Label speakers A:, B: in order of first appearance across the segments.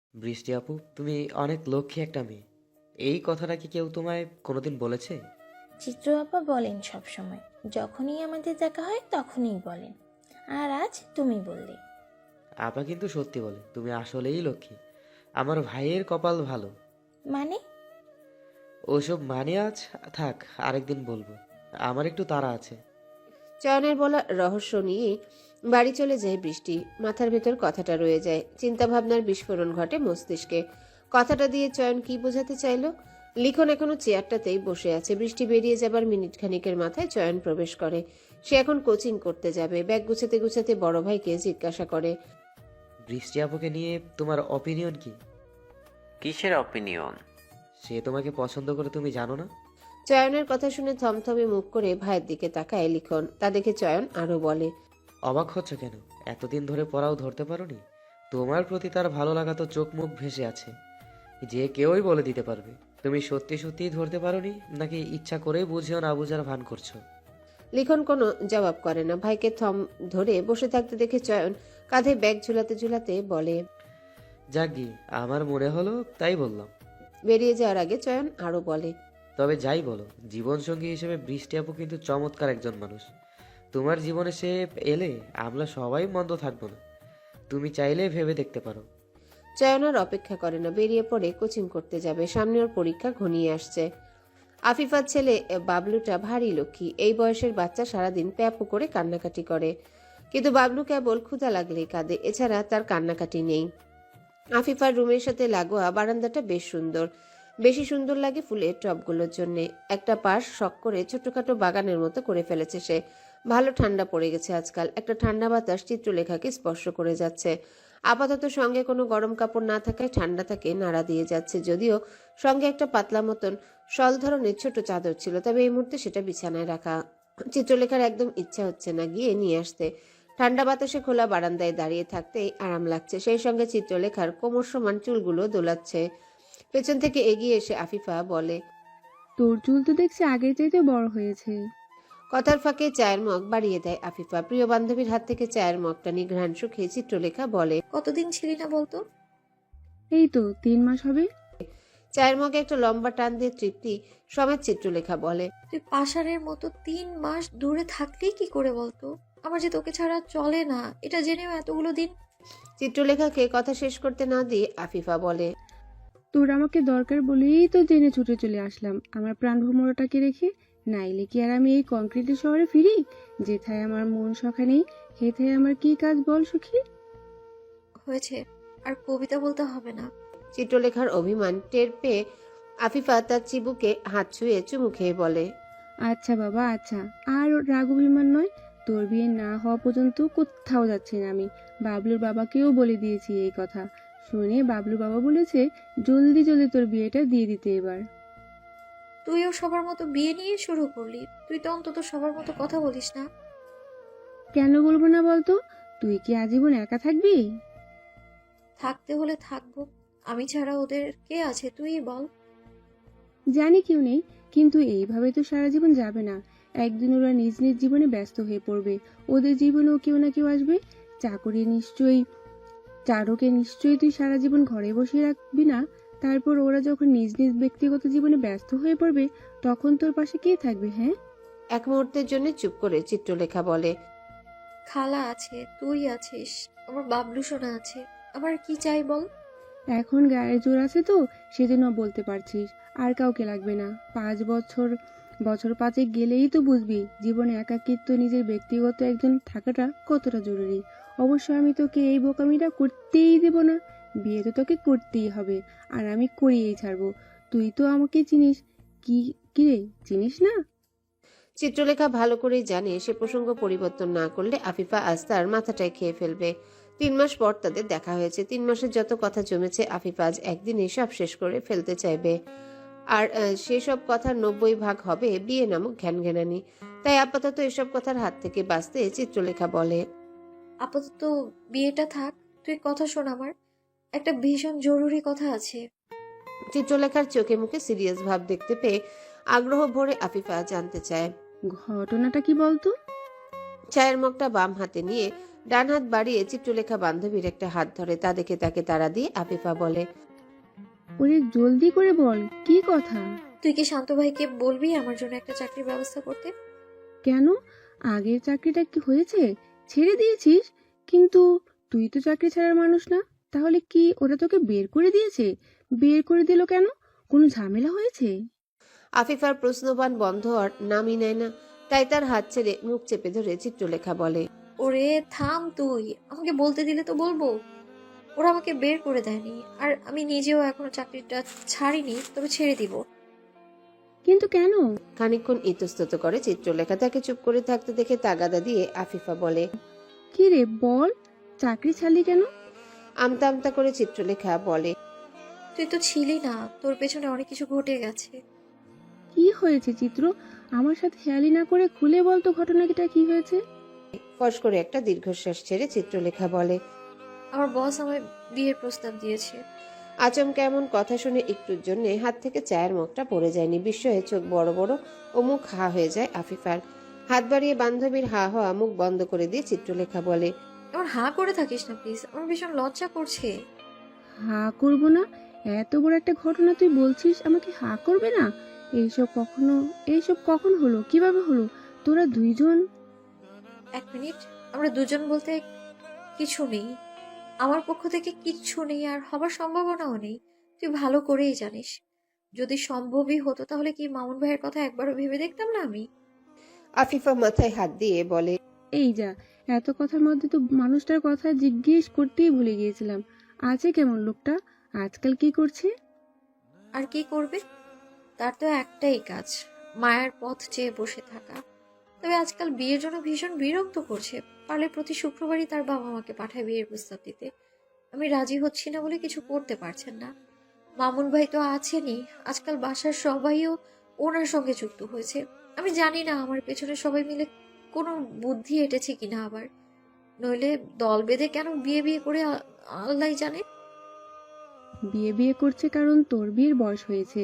A: বৃষ্টি আপু, তুমি অনেক লক্ষ্মী একটা মেয়ে। এই কথাটা কি কেউ তোমায় কোনোদিন বলেছে?
B: চিত্র আপা বলেন সব সময়, যখনই আমাদের দেখা হয় তখনই বলেন। আর আজ তুমি বললে।
A: আপা কিন্তু সত্যি বলে, তুমি আসলেই লক্ষ্মী। আমার ভাইয়ের কপাল ভালো।
B: মানে?
A: ওসব মানে আজ থাক, আরেকদিন বলবো। আমার একটু তাড়া আছে।
C: চয়নের বলা রহস্য নিয়ে বাড়ি চলে যায় বৃষ্টি। মাথার ভেতর কথাটা রয়ে যায়, চিন্তা ভাবনার বিস্ফোরণ ঘটে মস্তিষ্কে। কথাটা দিয়ে চয়ন কি বোঝাতে চাইলো? লিখন এখনো চেয়ারটাতেই বসে আছে। বৃষ্টি বেরিয়ে যাবার মিনিট খানিকের মাথায় চয়ন প্রবেশ করে। সে এখন কোচিং করতে যাবে। ব্যাগ গুছাতে গুছাতে বড় ভাইকে জিজ্ঞাসা করে,
A: বৃষ্টি আপুকে নিয়ে তোমার অপিনিয়ন কি?
D: কিসের অপিনিয়ন?
A: সে তোমাকে পছন্দ করে, তুমি জানো না?
C: চয়নের কথা শুনে থমথমে মুখ করে ভাইয়ের দিকে তাকায় লিখন। তা দেখে চয়ন আরো বলে,
A: অবাক হচ্ছ কেন? এতদিন ধরে পড়াও ধরতে পারোনি? তোমার প্রতি তার ভালো লাগা তো চোখ মুখ ভেসে আছে, যে কেউই বলে দিতে পারবে। তুমি সত্যি সত্যিই ধরতে পারোনি, নাকি ইচ্ছা করেই বুঝেও না বুঝার ভান করছো?
C: লিখন কোনো জবাব করে না। ভাইকে থম ধরে বসে থাকতে দেখে চয়ন কাঁধে ব্যাগ ঝুলাতে ঝুলাতে বলে,
A: যাকগি, আমার মনে হলো তাই বললাম।
C: বেরিয়ে যাওয়ার আগে চয়ন আরো বলে,
A: তবে যাই বলো, জীবনসঙ্গী হিসেবে বৃষ্টি আপু কিন্তু চমৎকার একজন মানুষ। তোমার জীবনে সে এলে আমরা সবাই মন্দ থাকবো না। তুমি চাইলে ভেবে দেখতে পারো।
C: চয়ন আর অপেক্ষা করে না, বেরিয়ে পড়ে কোচিং করতে যাবে। সামনে ওর পরীক্ষা ঘনিয়ে আসছে। আফিফার ছেলে বাবলুটা ভারী লক্ষ্মী। এই বয়সের বাচ্চা সারাদিন প্যাপু করে কান্নাকাটি করে, কিন্তু বাবলু কেবল ক্ষুধা লাগলেই কাঁদে। এছাড়া তার কান্নাকাটি নেই। আফিফার রুমের সাথে লাগোয়া বারান্দাটা বেশ সুন্দর। বেশি সুন্দর লাগে ফুলের টবগুলোর জন্যে। একটা পাশ শখ করে ছোটখাটো বাগানের মতো করে ফেলেছে সে। ভালো ঠান্ডা পড়ে গেছে আজকাল। একটা ঠান্ডা বাতাস চিত্রলেখাকে স্পর্শ করে যাচ্ছে। আপাতত সঙ্গে কোনো গরম কাপড় না থাকায় ঠান্ডাটাকে নাড়া দিয়ে যাচ্ছে। যদিও সঙ্গে একটা পাতলা মতন শল ধরনের ছোট চাদর ছিল, তবে এই মুহূর্তে সেটা বিছানায় রাখা। চিত্রলেখার একদম ইচ্ছা হচ্ছে না গিয়ে নিয়ে আসতে। ঠান্ডা বাতাসে খোলা বারান্দায় দাঁড়িয়ে থাকতেই আরাম লাগছে। সেই সঙ্গে চিত্রলেখার কোমর সমান চুলগুলো দোলাচ্ছে। পেছন থেকে এগিয়ে এসে আফিফা বলে,
E: তোর চুল তো দেখছি আগের চাইতে বড় হয়েছে।
C: কথার ফাঁকে চায়ের মগ বাড়িয়ে দেয় আফিফা। প্রিয় বান্ধবীর হাত থেকে চায়ের মগটা নিয়ে ঘ্রাণ শুকিয়ে চিত্রলেখা বলে,
B: কতদিন ছিলি না বলতো?
E: এই তো 3 মাস হবে।
C: চায়ের মগে একটা লম্বা টান দিয়ে তৃপ্তি সমেত চিত্রলেখা বলে,
F: তুই পাষাণের মতো 3 মাস দূরে থাকলি কি করে বলতো? আমার যে তোকে ছাড়া চলে না, এটা জেনেও এতগুলো দিন।
C: চিত্রলেখাকে কথা শেষ করতে না দিয়ে আফিফা বলে,
E: তোর আমাকে দরকার বলেই তো জেনে ছুটে চলে আসলাম আমার প্রাণ ভ্রমরটাকে রেখে। নাইলে কি আর আমি এই কংক্রিটের শহরে ফিরি, যেথায় আমার মন সখা নেই, হেথায় আমার কি কাজ বল সখী।
F: হয়েছে, আর কবিতা বলতে হবে না।
C: চিত্রলেখার অভিমান টের পেয়ে আফিফা তার চিবুকে হাত ছুঁয়ে চুমু খেয়ে বলে,
E: আচ্ছা বাবা আচ্ছা, আর রাগ অভিমান নয়। তোর বিয়ে না হওয়া পর্যন্ত কোথাও যাচ্ছি না আমি। বাবলুর বাবাকেও বলে দিয়েছি এই কথা। শুনে বাবলু বাবা বলেছে জলদি জলদি তোর বিয়েটা দিয়ে দিতে এবার।
F: তুইও সবার মতো বিয়ে নিয়ে শুরু করলি। তুই তো অন্তত সবার মতো কথা বলিস না।
E: কেন বলবো না বলতো? তুই কি আজীবন একা থাকবি?
F: থাকতে হলে থাকবো। আমি ছাড়া ওদের কে আছে তুই বল।
E: জানি কেউ নেই, কিন্তু এইভাবে তো সারা জীবন যাবে না। একদিন ওরা নিজ নিজ জীবনে ব্যস্ত হয়ে পড়বে। ওদের জীবনেও কেউ না কেউ আসবে। চাকরি নিশ্চয়ই, চারুকে নিশ্চয়ই তুই সারা জীবন ঘরে বসিয়ে রাখবি না। তারপর ওরা যখন নিজ নিজ ব্যক্তিগত জীবনে ব্যস্ত হয়ে পড়বে, তখন তোর পাশে কে থাকবে? হ্যাঁ,
C: এক মুহূর্তের জন্য চুপ করে চিত্রলেখা বলে,
F: খালা আছে, তুই আছিস, আমার বাবলু সোনা আছে। আবার কি চাই বল।
E: এখন গায়ের জোর আছে তো সেজন্য বলতে পারছিস। আর কাউকে লাগবে না। 5 বছর, বছর 5 গেলেই তো বুঝবি জীবনে একাকিত্ব, নিজের ব্যক্তিগত একজন থাকাটা কতটা জরুরি। অবশ্য আমি তোকে এই বোকামিটা করতেই দেব না। বিয়ে তো তোকে করতেই হবে, আর আমি করিয়েই ছাড়বো। তুই তো আমাকে চিনিস। কি কিরে, চিনিস না?
C: চিত্রলেখা ভালো করেই জানে সে প্রসঙ্গ পরিবর্তন না করলে আফিফা আজ তার মাথাটাই খেয়ে ফেলবে। 3 মাস পর তাদের দেখা হয়েছে। 3 মাসের যত কথা জমেছে আফিফা আজ একদিনে সব শেষ করে ফেলতে চাইবে। আর সেসব কথার 90 ভাগ হবে বিয়ে নামক ঘ্যানঘ্যানানি। তাই আপাতত এসব কথার হাত থেকে বাঁচতে চিত্রলেখা বলে,
F: আপাতত বিয়েটা থাক। তুই কথা শোন আমার, একটা ভীষণ জরুরি কথা আছে।
C: চিত্রলেখার চোখে মুখে সিরিয়াস ভাব দেখতে পেয়ে আগ্রহ ভরে আফিফা জানতে চায়।
E: ঘটনাটা কি বলতো?
C: চায়ের মগটা বাম হাতে নিয়ে ডান হাত বাড়িয়ে চিত্রলেখা বান্ধবীর একটা হাত ধরে, তা দেখে তাকে তাড়া দিয়ে আফিফা বলে,
E: ওরে জলদি করে বল, কি কথা?
F: তুই কি শান্ত ভাইকে বলবি আমার জন্য একটা চাকরির ব্যবস্থা করতে?
E: কেন? আগের চাকরিটা কি হয়েছে? ছেড়ে দিয়েছিস? কিন্তু তুই তো চাকরি ছাড়ার মানুষ না। তাহলে কি ওরা তোকে বের করে দিয়েছে? বের করে দিল কেন? কোনো ঝামেলা হয়েছে?
C: আফিফার প্রশ্নবাণ বন্ধ আর নামই নেয় না, তাই তার হাত ছেড়ে মুখ চেপে ধরে চিত্রলেখা বলে,
F: ওরে থাম, তুই আমাকে বলতে দিলে তো বলবো। ওরা আমাকে বের করে দেয়নি, আর আমি নিজেও এখনো চাকরিটা ছাড়িনি, তবে ছেড়ে দিব।
E: কিন্তু কেন?
C: খানিকক্ষণ ইতস্তত করে চিত্রলেখা, তাকে চুপ করে থাকতে দেখে তাগাদা দিয়ে আফিফা বলে,
E: কি রে বল, চাকরি ছাড়লি কেন?
C: আমতা আমতা করে চিত্রলেখা বলে,
F: তুই তো ছিলি না, তোর পেছনে অনেক কিছু ঘটে গেছে।
E: কি হয়েছে চিত্র? আমার সাথে হেয়ালি না করে খুলে বল তো ঘটনাটা কি হয়েছে?
C: ফস করে একটা দীর্ঘশ্বাস ছেড়ে চিত্রলেখা বলে,
F: আমার বস আমায় বিয়ের প্রস্তাব দিয়েছে।
C: আচমকা এমন কথা শুনে একটুর জন্য হাত থেকে চায়ের মুখটা পড়ে যায়নি। বিস্ময়ে চোখ বড় বড় ও মুখ হা হয়ে যায় আফিফার। হাত বাড়িয়ে বান্ধবীর হা হওয়া মুখ বন্ধ করে দিয়ে চিত্রলেখা বলে,
F: আমার হাঁ করে থাকিস না প্লিজ, আমার ভীষণ লজ্জা করছে।
E: হা করবো না? এত বড় একটা ঘটনা তুই বলছিস আমাকে হা করবে না? এইসব কখন হলো, কিভাবে হলো? তোরা দুইজন?
F: এক মিনিট, আমরা দুজন বলতে কিছু নেই, আমার পক্ষ থেকে কিচ্ছু নেই, আর হবার সম্ভাবনাও নেই। তুই ভালো করেই জানিস, যদি সম্ভবই হতো তাহলে কি মামুন ভাইয়ের কথা একবারও ভেবে দেখতাম না আমি?
C: আফিফা মাথায় হাত দিয়ে বলে,
E: এই যা, এত কথার মধ্যে তো মানুষটার কথা জিজ্ঞেস করতেই ভুলে গিয়েছিলাম। আছে কেমন লোকটা? আজকাল কি করছে?
F: আর কি করবে, তার তো একটাই কাজ, মায়ের পথ চেয়ে বসে থাকা। তবে আজকাল বিয়ের জন্য ভীষণ বিরক্ত করছে। পারলে প্রতি শুক্রবারই তার বাবা মাকে পাঠায় বিয়ের প্রস্তাব দিতে। আমি রাজি হচ্ছি না বলে কিছু করতে পারছেন না। মামুন ভাই তো আছেনই, আজকাল বাসার সবাইও ওনার সঙ্গে যুক্ত হয়েছে। আমি জানি না আমার পেছনে সবাই মিলে কোনো বুদ্ধি এঁটেছে কিনা আবার, নইলে দল বেঁধে কেন বিয়ে বিয়ে করে আল্লাহ জানে।
E: বিয়ে বিয়ে করছে কারণ তোর বিয়ের বয়স হয়েছে।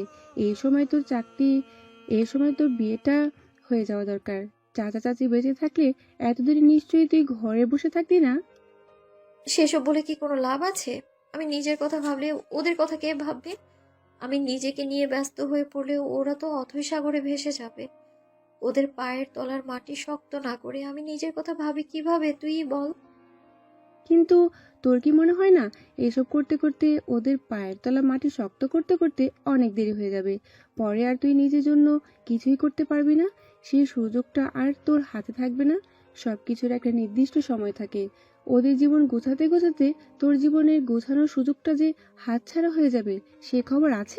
E: এই সময় তোর বিয়েটা হয়ে যাওয়া দরকার। চাচা চাচি বেঁচে থাকলে এতদিন নিশ্চয়ই তুই ঘরে বসে থাকতি না।
F: সেসব বলে কি কোনো লাভ আছে? আমি নিজের কথা ভাবলে ওদের কথা কে ভাববে? আমি নিজেকে নিয়ে ব্যস্ত হয়ে পড়লে ওরা তো অথৈ সাগরে ভেসে যাবে। ওদের পায়ের তলার মাটি শক্ত না করে আমি নিজের কথা ভাবি কিভাবে, তুই বল।
E: কিন্তু তোর কি মনে হয় না এসব করতে করতে ওদের পায়ের তলা মাটি শক্ত করতে করতে অনেক দেরি হয়ে যাবে? পরে আর তুই নিজের জন্য কিছুই করতে পারবি না। সেই সুযোগটা আর তোর হাতে থাকবে না। সবকিছুর একটা নির্দিষ্ট সময় থাকে। ওদের জীবন গোছাতে গোছাতে তোর জীবনের গোছানোর সুযোগটা যে হাতছাড়া হয়ে যাবে, সে খবর আছে?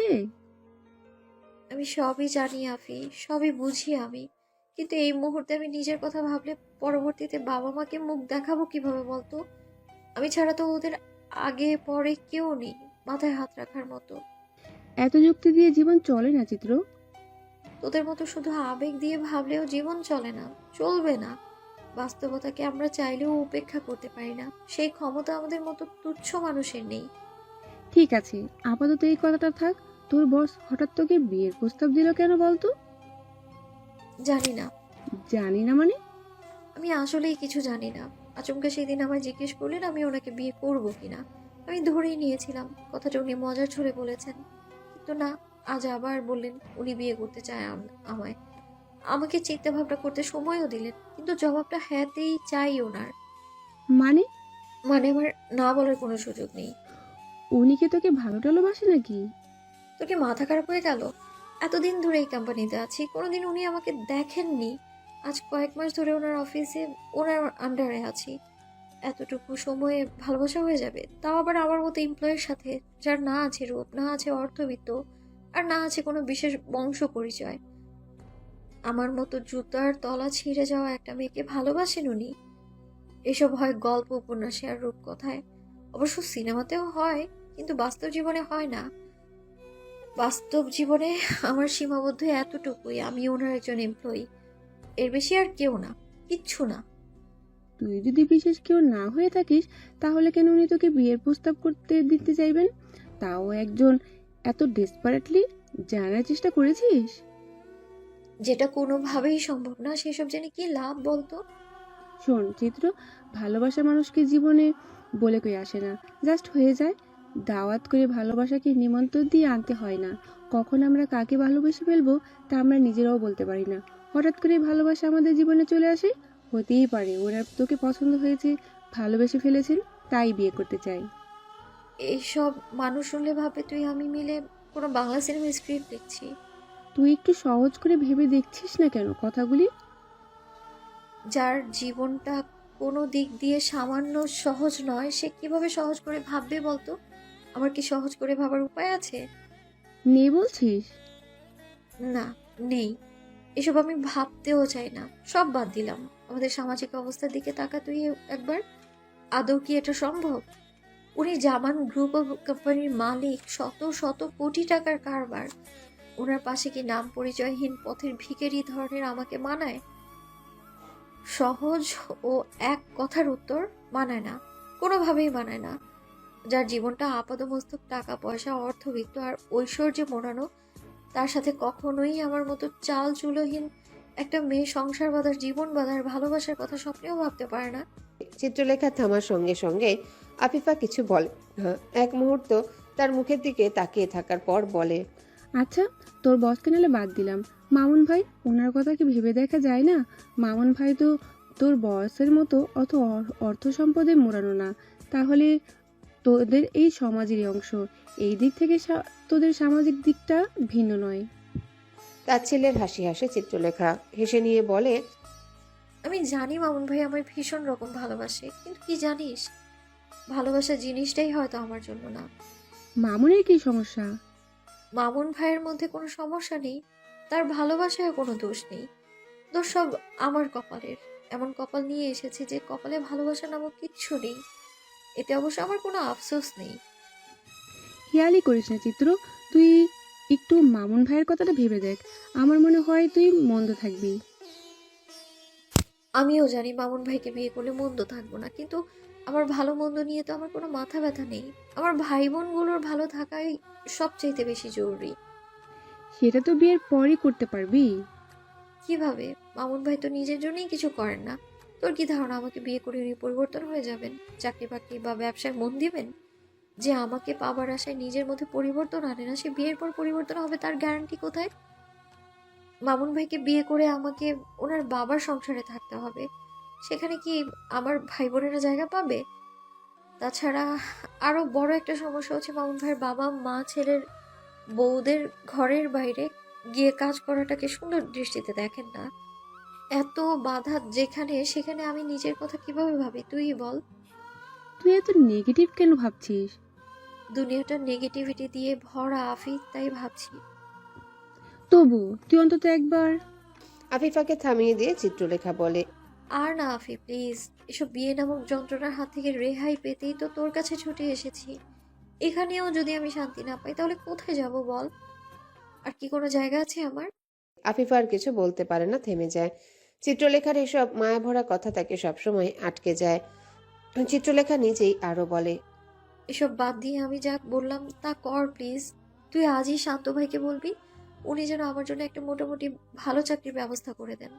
F: আমি সবই জানি আফি, সবই বুঝি আমি, কিন্তু এই মুহূর্তে আমি নিজের কথা ভাবলে পরবর্তীতে বাবা মাকে মুখ দেখাবো কিভাবে বলতো? আমি ছাড়া তো ওদের আগে পরে কেউ নেই মাথায় হাত রাখার মতো।
E: এত যুক্তি দিয়ে জীবন চলে না চিত্র।
F: তোদের মতো শুধু আবেগ দিয়ে ভাবলেও জীবন চলে না, চলবে না। বাস্তবতাকে আমরা চাইলেও উপেক্ষা করতে পারি না, সেই ক্ষমতা আমাদের মতো তুচ্ছ মানুষের নেই।
E: ঠিক আছে, আপাতত এই কথাটা থাক। তোর বস হঠাৎ তোকে বিয়ের প্রস্তাব দিল কেন বলতো?
F: জানি না,
E: জানি না মানে?
F: আমি আসলেই কিছু জানি না। আচমকা সেই দিন আমায় জিজ্ঞেস করলেন আমি ওনাকে বিয়ে করব কিনা। আমি ধরেই নিয়েছিলাম কথাটা উনি মজার ছলে বলেছেন, কিন্তু না, আজ আবার বললেন উনি বিয়ে করতে চায় আমায়। আমাকে চিন্তা ভাবনা করতে সময়ও দিলেন, কিন্তু জবাবটা হ্যাঁতেই চাই ওনার।
E: মানে?
F: মানে আমার না বলার কোনো সুযোগ নেই।
E: উনি কি তোকে ভালো টালোবাসে নাকি?
F: তোকে মাথা খারাপ হয়ে গেল? এতদিন ধরে এই কোম্পানিতে আছি, কোনোদিন উনি আমাকে দেখেননি। আজ কয়েক মাস ধরে ওনার অফিসে ওনার আন্ডারে আছি। এতটুকু সময়ে ভালোবাসা হয়ে যাবে, তাও আবার আমার মতো এমপ্লয়ের সাথে, যার না আছে রূপ, না আছে অর্থবিত্ত, আর না আছে কোনো বিশেষ বংশ পরিচয়। আমার মতো জুতার তলা ছিঁড়ে যাওয়া একটা মেয়েকে ভালোবাসেন উনি? এসব হয় গল্প উপন্যাসে আর রূপকথায়, অবশ্য সিনেমাতেও হয়, কিন্তু বাস্তব জীবনে হয় না। বাস্তব জীবনে আমার সীমাবদ্ধ এতটুকুই, আমি ওনার একজন এমপ্লয়ি, এর বেশি আর কেউ না, কিচ্ছু না।
E: তুই যদি বিশেষ কেউ না হয়ে থাকিস, তাহলে কেন উনি তোকে বিয়ের প্রস্তাব করতে দিতে চাইবেন? তাও একজন এত ডেসপারেটলি। জানার চেষ্টা করেছিস?
F: যেটা কোনোভাবেই সম্ভব না, সেসব জেনে কি লাভ বলতো?
E: শোন চিত্র, ভালোবাসা মানুষকে জীবনে বলে কই আসে না, জাস্ট হয়ে যায়। দাওয়াত করে ভালোবাসাকে নিমন্ত্রণ দিয়ে আনতে হয় না। কখন আমরা কাকে ভালোবেসে ফেলবো তা আমরা নিজেরাও বলতে পারি না। হঠাৎ করে ভালোবাসা আমাদের জীবনে চলে আসে। হতেই পারে ওনার তোকে পছন্দ হয়েছে, ভালোবেসে ফেলেছেন, তাই বিয়ে করতে চাই।
F: এইসব মানুষ শুনলে ভাবে তুই আমি মিলে কোনো বাংলা সিনেমার স্ক্রিপ্ট লিখছি।
E: তুই একটু সহজ করে ভেবে দেখছিস না কেন কথাগুলি?
F: যার জীবনটা কোনো দিক দিয়ে সামান্য সহজ নয়, সে কিভাবে সহজ করে ভাববে বলতো? আমার কি সহজ করে ভাবার উপায় আছে?
E: নেই বলছিস?
F: না, নেই। এসব আমি ভাবতেও চাই না, সব বাদ দিলাম। আমাদের সামাজিক অবস্থার দিকে তাকা তুই একবার। আদৌ কি এটা সম্ভব? উনি জামান গ্রুপ অফ কোম্পানির মালিক, শত শত কোটি টাকার কারবার। ওনার পাশে কি নাম পরিচয়হীন পথের ভিখারি ধরনের আমাকে মানায়? সহজ ও এক কথার উত্তর, মানায় না, কোনোভাবেই মানায় না। যার জীবনটা আপাদমস্তক টাকা পয়সা অর্থবিত্ত আর ঐশ্বর্যে মোড়ানো, তার সাথে কখনোই আমার মতো চাল চুলোহীন একটা মেয়ে সংসার বাঁধার, জীবন বাঁধার, ভালোবাসার কথা স্বপ্নেও ভাবতে পারে না।
C: চিত্রলেখা থামার সঙ্গে সঙ্গে আফিফা কিছু বলে না। এক মুহূর্ত তার মুখের দিকে তাকিয়ে থাকার পর বলে,
E: আচ্ছা, তোর বসকে নাহলে বাদ দিলাম। মামুন ভাই, ওনার কথা কি ভেবে দেখা যায় না? মামুন ভাই তো তোর বয়সের মতো অত অর্থ সম্পদে মোড়ানো না। তাহলে তোদের এই সমাজেরই অংশ। এই দিক থেকে তোদের সামাজিক দিকটা ভিন্ন নয়।
C: তার ছেলের হাসি হাসে চিত্রলেখা হেসে নিয়ে বলে,
F: আমি জানি মামুন ভাই আমার ভীষণ রকম ভালোবাসে, কিন্তু কি জানিস, ভালোবাসা জিনিসটাই হয়তো আমার জন্য না।
E: মামুনের কি সমস্যা?
F: মামুন ভাইয়ের মধ্যে কোনো সমস্যা নেই, তার ভালোবাসায় কোনো দোষ নেই। দোষ সব আমার কপালের। এমন কপাল নিয়ে এসেছে যে কপালে ভালোবাসা নামক কিচ্ছু নেই। এতে অবশ্য আমার কোনো আফসোস নেই।
E: খেয়ালই করিস না চিত্র, তুই একটু মামুন ভাইয়ের কথাটা ভেবে দেখ। আমার মনে হয় তুই মন্দ থাকবি।
F: আমিও জানি মামুন ভাইকে বিয়ে করলে মন্দ থাকবো না, কিন্তু আমার ভালো মন্দ নিয়ে তো আমার কোনো মাথা ব্যথা নেই। আমার ভাই বোনগুলোর ভালো থাকাই সবচাইতে বেশি জরুরি।
E: সেটা তো বিয়ের পরই করতে পারবি।
F: কিভাবে? মামুন ভাই তো নিজের জন্যই কিছু করেন না। তোর কি ধারণা আমাকে বিয়ে করে উনি পরিবর্তন হয়ে যাবেন, চাকরি বাকরি বা ব্যবসায় মন দিবেন? যে আমাকে পাবার আশায় নিজের মধ্যে পরিবর্তন আনে না, সে বিয়ের পর পরিবর্তন হবে তার গ্যারান্টি কোথায়? মামুন ভাইকে বিয়ে করে আমাকে ওনার বাবার সংসারে থাকতে হবে। সেখানে কি আমার ভাই বোনেরা জায়গা পাবে? তাছাড়া আরো বড় একটা সমস্যা হচ্ছে, মামুন ভাইয়ের বাবা মা ছেলের বউদের ঘরের বাইরে গিয়ে কাজ করাটাকে সুন্দর দৃষ্টিতে দেখেন না। এত বাধা যেখানে, সেখানে আমি নিজের কথা কিভাবে ভাবি তুই বল?
E: তুই এত নেগেটিভ কেন ভাবছিস?
F: দুনিয়াটা নেগেটিভিটি দিয়ে ভরা আফিক, তাই ভাবছি।
E: তবু তুই অন্তত একবার।
C: আফিফাকে থামিয়ে দিয়ে চিত্রলেখা বলে,
F: আর না আফি, প্লিজ। এসব বিয়ে নামক যন্ত্রণার হাত থেকে রেহাই পেতেই তো তোর কাছে ছুটে এসেছি। এখানেও যদি আমি শান্তি না পাই তাহলে কোথায় যাব বল? আর কি কোনো জায়গা আছে আমার?
C: আফিফা আর কিছু বলতে পারে না, থেমে যায়। চিত্রলেখার এসব মায়াভরা কথা তাকে সবসময় আটকে যায়। চিত্রলেখা নিজেই আরো বলে,
F: এসব বাদ দিয়ে আমি যা বললাম তা কর প্লিজ। তুই আজই শান্ত ভাইকে বলবি উনি যেন আমার জন্য একটা মোটামুটি ভালো চাকরির ব্যবস্থা করে দেন।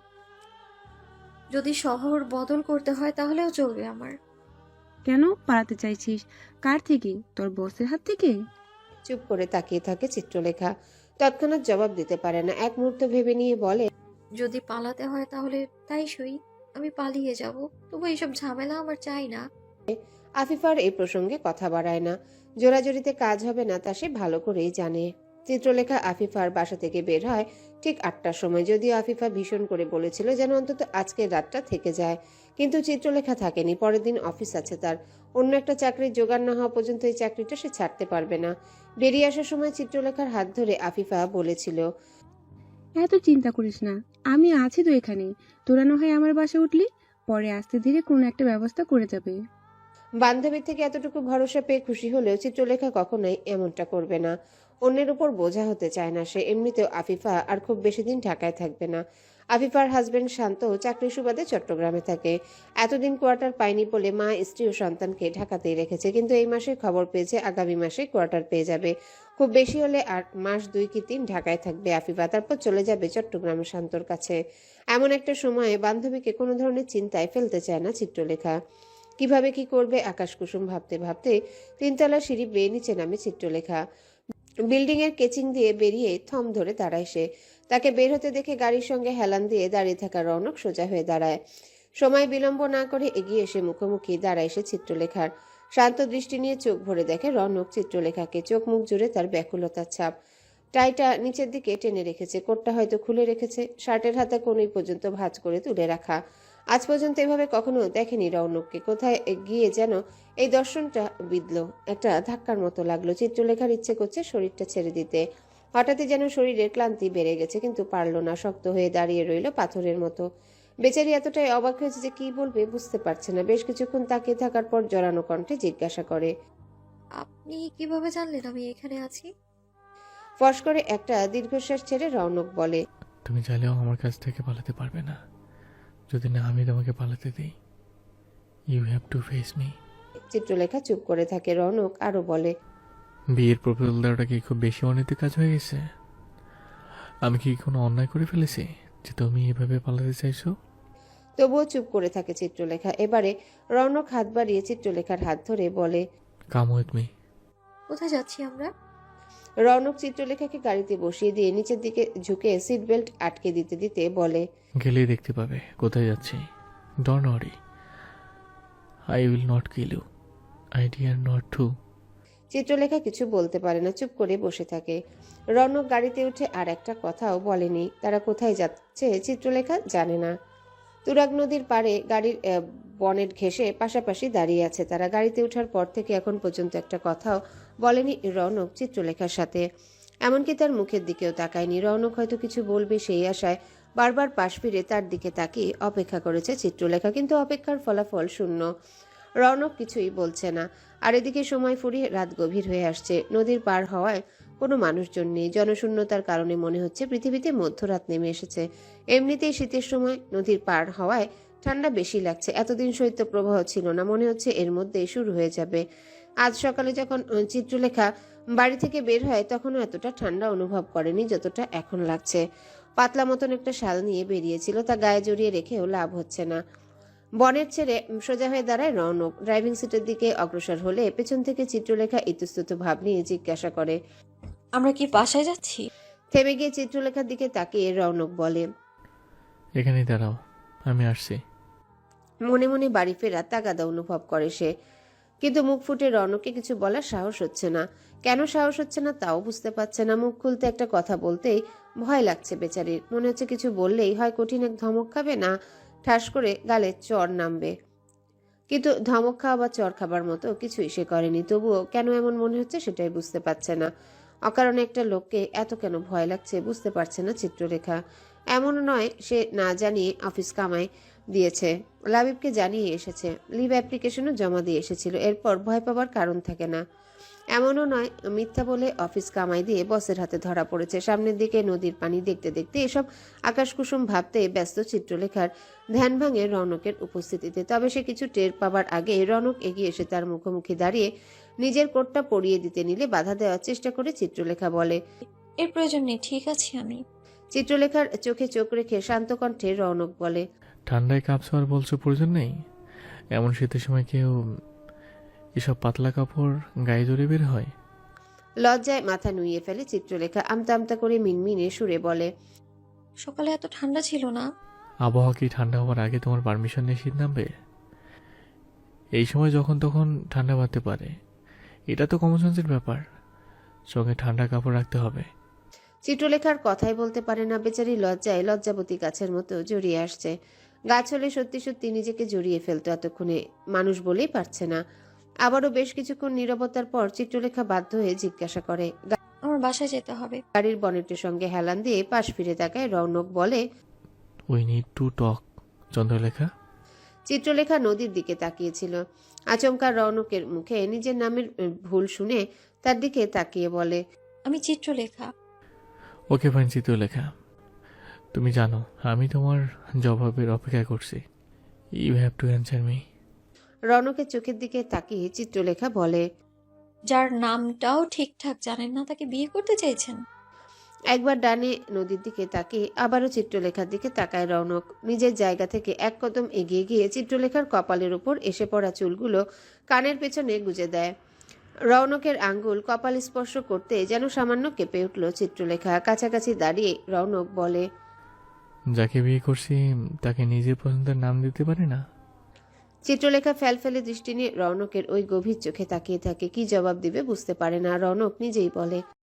F: যদি শহর বদল করতে হয় তাহলেও চলবে আমার।
E: কেন পালাতে চাইছিস? কার থেকে? তোর বসের হাত থেকে?
C: চুপ করে তাকিয়ে থাকে চিত্রলেখা। তৎক্ষণাৎ জবাব দিতে পারে না। এক মুহূর্ত ভেবে নিয়ে বলে,
F: যদি পালাতে হয় তাহলে তাই সই, আমি পালিয়ে যাব। তবু এইসব ঝামেলা আমার চাই না।
C: আফিফার এই প্রসঙ্গে কথা বাড়ায় না। জোরাজুরিতে কাজ হবে না তা সে ভালো করেই জানে। চিত্রলেখা আফিফার বাসা থেকে বের হয় ঠিক 8টার সময়। যদিও আফিফা ভীষণ করে বলেছিল যেন অন্তত আজকের রাতটা থেকে যায়, কিন্তু চিত্রলেখা থাকেনি। পরের দিন অফিস আছে তার। অন্য একটা চাকরির জোগাড় না হওয়া পর্যন্ত এই চাকরিটা সে ছাড়তে পারবে না। বেরিয়ে আসার সময় চিত্রলেখার হাত ধরে আফিফা বলেছিল,
E: এত চিন্তা করিস না, আমি আছি তো এখানে। তোরা না হয় আমার বাসে উঠলি, পরে আস্তে ধীরে কোনো একটা ব্যবস্থা করে যাবে।
C: বান্ধবীর থেকে এতটুকু ভরসা পেয়ে খুশি হলেও চিত্রলেখা কখনোই এমনটা করবে না। অন্যের উপর বোঝা হতে চায় না সে। এমনিতেও আফিফা আর খুব বেশি দিন ঢাকায় থাকবে না। আফিফার হাজবেন্ড শান্ত চাকরি সুবাদে চট্টগ্রামে থাকে। এতদিন কোয়ার্টার পায়নি বলে মা, স্ত্রী ও সন্তানকে ঢাকাতেই রেখেছে, কিন্তু এই মাসে খবর পেয়েছে আগামী মাসে কোয়ার্টার পেয়ে যাবে। খুব বেশি হলে আর মাস 2 কি 3 ঢাকায় থাকবে আফিফা, তারপর চলে যাবে চট্টগ্রামে শান্তর কাছে। এমন একটা সময়ে বান্ধবীকে কোনো ধরনের চিন্তায় ফেলতে চায় না চিত্রলেখা। কিভাবে কি করবে আকাশ কুসুম ভাবতে ভাবতে 3তলা সিঁড়ি বেয়ে নিচে নামে চিত্রলেখা। বিল্ডিং এর কেচিং দিয়ে বেরিয়ে থম ধরে দাঁড়ায় সে। তাকে বের হতে দেখে গাড়ির সঙ্গে হেলান দিয়ে দাঁড়িয়ে থাকা রৌনক সোজা হয়ে দাঁড়ায়। সময় বিলম্ব না করে এগিয়ে এসে মুখোমুখি দাঁড়ায় সে চিত্রলেখার। শান্ত দৃষ্টি নিয়ে চোখ ভরে দেখে রৌনক চিত্রলেখাকে, চোখ মুখ জুড়ে তার ব্যাকুলতার ছাপ। টাইটা নিচের দিকে টেনে রেখেছে, কোটটা হয়তো খুলে রেখেছে, শার্টের হাতা কোনই পর্যন্ত ভাঁজ করে তুলে রাখা। আজ পর্যন্ত এভাবে কখনো দেখেনি রৌনককে। কোথায় গিয়ে যেন এই দর্শনটা বিঁধল, একটা ধাক্কার মতো লাগলো। চিত্রলেখার ইচ্ছে করছে শরীরটা ছেড়ে দিতে। হঠাৎই যেন শরীরের ক্লান্তি বেড়ে গেছে, কিন্তু পারল না, শক্ত হয়ে দাঁড়িয়ে রইল পাথরের মতো। বেচারি এতটাই অবাক হয়েছে যে কি বলবে বুঝতে পারছে না। বেশ কিছুক্ষণ তাকিয়ে থাকার পর জড়ানো কণ্ঠে জিজ্ঞাসা করে,
F: আপনি কিভাবে জানলেন আমি এখানে আছি?
C: ফস করে একটা দীর্ঘশ্বাস ছেড়ে রৌনক বলে,
G: তুমি চাইলেও আমার কাছ থেকে পালাতে পারবে না, যদি না আমি তোমাকে পালাতে দিই। You have to face me.
C: Chitralekha চুপ করে থাকে। রৌনক আরো বলে,
G: বিয়ের প্রপোজাল দেওয়াটা কি খুব বেশি অনৈতিক কাজ হয়ে গেছে? আমি কি কোনো অন্যায় করে ফেলেছি যে তুমি এভাবে পালাতে চাইছো?
C: তবুও চুপ করে থাকে চিত্রলেখা। এবারে রৌনক হাত বাড়িয়ে চিত্রলেখার হাত ধরে বলে,
G: কাম উইথ মি।
F: কোথায় যাচ্ছি আমরা?
C: রৌনক চিত্রলেখাকে গাড়িতে বসিয়ে দিয়ে নিচের দিকে ঝুঁকে সিট বেল্ট আটকে দিতে দিতে বলে,
G: গেলেই দেখতে পাবে কোথায় যাচ্ছি। Don't worry, I will not kill you, I dare not to.
C: Chitralekha কিছু বলতে পারে না, চুপ করে বসে থাকে। রৌনক গাড়িতে উঠে আর একটা কথাও বলেনি। তারা কোথায় যাচ্ছে চিত্রলেখা জানে না। তুরাগ নদীর পাড়ে গাড়ির বনেট ঘেঁষে পাশাপাশি দাঁড়িয়ে আছে তারা। গাড়িতে ওঠার পর থেকে এখন পর্যন্ত একটা কথাও বলেনি রৌনক চিত্রলেখার সাথে, এমনকি তার মুখের দিকেও তাকায়নি। রৌনক হয়তো কিছু বলবে সেই আশায় বারবার পাশ ফিরে তার দিকে তাকিয়ে অপেক্ষা করেছে চিত্রলেখা, কিন্তু অপেক্ষার ফলাফল শূন্য। রৌনক কিছুই বলছে না। আর এদিকে সময় ফুরিয়ে রাত গভীর হয়ে আসছে। নদীর পার হওয়ায় কোনো মানুষজন নেই। জনশূন্যতার কারণে মনে হচ্ছে পৃথিবীতে মধ্যরাত নেমে এসেছে। এমনিতেই শীতের সময় নদীর পার হওয়ায় ঠান্ডা বেশি লাগছে। এতদিন শৈত্যপ্রবাহ ছিল না, মনে হচ্ছে এর মধ্যেই শুরু হয়ে যাবে। আজ সকালে যখন চিত্রলেখা বাড়ি থেকে বের হয় তখনও এতটা ঠান্ডা অনুভব করেনি যতটা এখন লাগছে। পাতলা মতন একটা শাল নিয়ে বেরিয়েছিল, তা গায়ে জড়িয়ে রেখেও লাভ হচ্ছে না। বনের ছেড়ে সোজা হয়ে দাঁড়ায় রৌনক। ড্রাইভিং সিটের দিকে অগ্রসর হলে পেছন থেকে চিত্রলেখা ইতস্তত ভাব নিয়ে জিজ্ঞাসা করে,
F: আমরা কি বাসায় যাচ্ছি?
C: থেমে গিয়ে চিত্রলেখার দিকে তাকিয়ে রৌনক বলে,
G: এখানেই দাঁড়াও, আমি আসছি।
C: মনে মনে বাড়ি ফেরার তাগাদা অনুভব করে সে, কিন্তু মুখ ফুটে রৌনককে কিছু বলার সাহস হচ্ছে না। কেন সাহস হচ্ছে না তাও বুঝতে পারছে না। মুখ খুলতে একটা কথা বলতেই ভয় লাগছে বেচারির। মনে হচ্ছে কিছু বললেই হয় কঠিন এক ধমক খাবে, না ঠাস করে গালে চড় নামবে। কিন্তু ধমক খাওয়া বা চড় খাবার মতো কিছুই সে করেনি। তবুও কেন এমন মনে হচ্ছে সেটাই বুঝতে পারছে না। অকারণে একটা লোককে এত কেন ভয় লাগছে বুঝতে পারছে না চিত্রলেখা। এমনও নয় সে না জানিয়ে অফিস কামাই দিয়েছে, লাবিবকে জানিয়ে এসেছে, লিভ অ্যাপ্লিকেশনও জমা দিয়ে এসেছিল। এরপর ভয় পাবার কারণ থাকে না। এমনও নয় মিথ্যা বলে অফিস কামাই দিয়ে বসের হাতে ধরা পড়েছে। সামনের দিকে নদীর পানি দেখতে দেখতে এসব আকাশকুসুম ভাবতে ব্যস্ত চিত্রলেখার ধ্যান ভাঙে রৌনকের উপস্থিতিতে। তবে সে কিছু টের পাবার আগে রৌনক এগিয়ে এসে তার মুখোমুখি দাঁড়িয়ে নিজের কোটটা পরিয়ে দিতে নিলে বাধা দেওয়ার চেষ্টা করে চিত্রলেখা বলে,
F: এর প্রয়োজন নেই, ঠিক আছে আমি।
C: চিত্রলেখার চোখে চোখ রেখে শান্ত কণ্ঠে রৌনক বলে,
G: ঠান্ডায় কাঁপছো আর বলছো প্রয়োজন নেই? এমন শীতের সময় কেউ এসব পাতলা কাপড় গায়ে জড়ে বের হয়?
C: লজ্জায় মাথা নুইয়ে ফেলে চিত্রলেখা। আমতা আমতা করে মিনমিনে সুরে বলে,
F: সকালে এত ঠান্ডা ছিল না।
G: আবহাওয়া কি ঠান্ডা হওয়ার আগে তোমার পারমিশন নিয়ে শীত নামবে? এই সময় যখন তখন ঠান্ডা বাড়তে পারে, এটা তো কমন সেন্সের ব্যাপার। সঙ্গে ঠান্ডা কাপড় রাখতে হবে।
C: চিত্রলেখার কথাই বলতে পারে না। বেচারি লজ্জায় লজ্জাবতী গাছের মতো জড়িয়ে আসছে। গাছ হলে সত্যি সত্যি নিজেকে জড়িয়ে ফেলতো, এতক্ষণে মানুষ বলেই পারছে না। আবারও বেশ কিছুক্ষণ নীরবতার পর চিত্রলেখা বাধ্য হয়ে জিজ্ঞাসা করে,
F: আমার বাসায় যেতে হবে।
C: গাড়ির বনেটের সঙ্গে হেলান দিয়ে পাশ ফিরে তাকায় রৌনক বলে,
G: we need to talk. Chandralekha.
C: Chitralekha নদীর দিকে তাকিয়েছিল। আচমকা রৌনকের মুখে নিজের নামের ভুল শুনে তার দিকে তাকিয়ে বলে,
F: আমি চিত্রলেখা।
G: ওকে ফাইন চিত্রলেখা, তুমি জানো আমি তোমার জবাবের অপেক্ষা করছি। You have to answer me.
C: রৌনকের চোখের দিকে তাকিয়ে চিত্রলেখা বলে,
F: যার নামটাও ঠিকঠাক জানেন না তাকে বিয়ে করতে চাইছেন?
C: একবার ডানে নদীর দিকে তাকিয়ে আবারও চিত্রলেখার দিকে তাকায় রৌনক। নিজের জায়গা থেকে এক কদম এগিয়ে গিয়ে চিত্রলেখার কপালের উপর এসে পড়া চুলগুলো কানের পেছনে গুজে দেয়। রৌনকের আঙ্গুল কপাল স্পর্শ করতে যেন সামান্য কেঁপে উঠল চিত্রলেখা। কাছাকাছি দাঁড়িয়ে রৌনক বলে,
G: যাকে বিয়ে করছি তাকে নিজের পছন্দের নাম দিতে পারি না?
C: চিত্রলেখা ফেলফেলে দৃষ্টি নিয়ে রৌনকের ওই গভীর চোখে তাকিয়ে থাকে। কি জবাব দিবে বুঝতে পারে না। রৌনক নিজেই বলে,